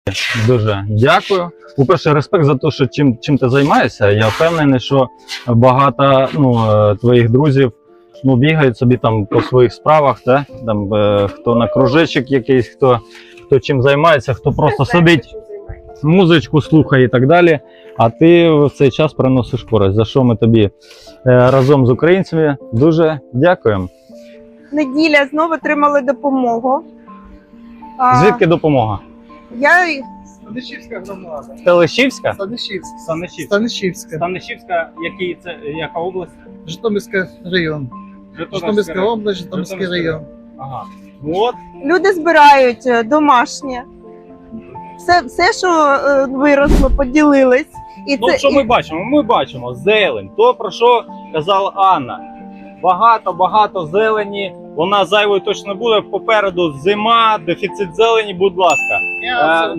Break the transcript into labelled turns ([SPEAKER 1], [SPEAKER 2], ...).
[SPEAKER 1] Дуже дякую. По-перше, респект за те, що чим ти займаєшся. Я впевнений, що багато твоїх друзів бігають собі там по своїх справах, та? Там, хто на кружечок якийсь, хто чим займається, хто просто сидить, музичку слухає і так далі. А ти в цей час приносиш користь, за що ми тобі разом з українцями дуже дякуємо.
[SPEAKER 2] Неділя знову отримали допомогу.
[SPEAKER 1] Звідки допомога?
[SPEAKER 2] Я
[SPEAKER 3] Станишівська громада.
[SPEAKER 1] Телешівська?
[SPEAKER 3] Станишівська.
[SPEAKER 1] Станишівська, яка область?
[SPEAKER 3] Житомирський район. Житомирська область, Житомирський район.
[SPEAKER 1] Ага. От.
[SPEAKER 2] люди збирають домашнє. Все, що виросло, поділились. І
[SPEAKER 1] Ну, що ми бачимо? Ми бачимо зелень. То, про що казала Анна. Багато зелені. Вона зайвою точно буде. Попереду зима, дефіцит зелені, будь ласка.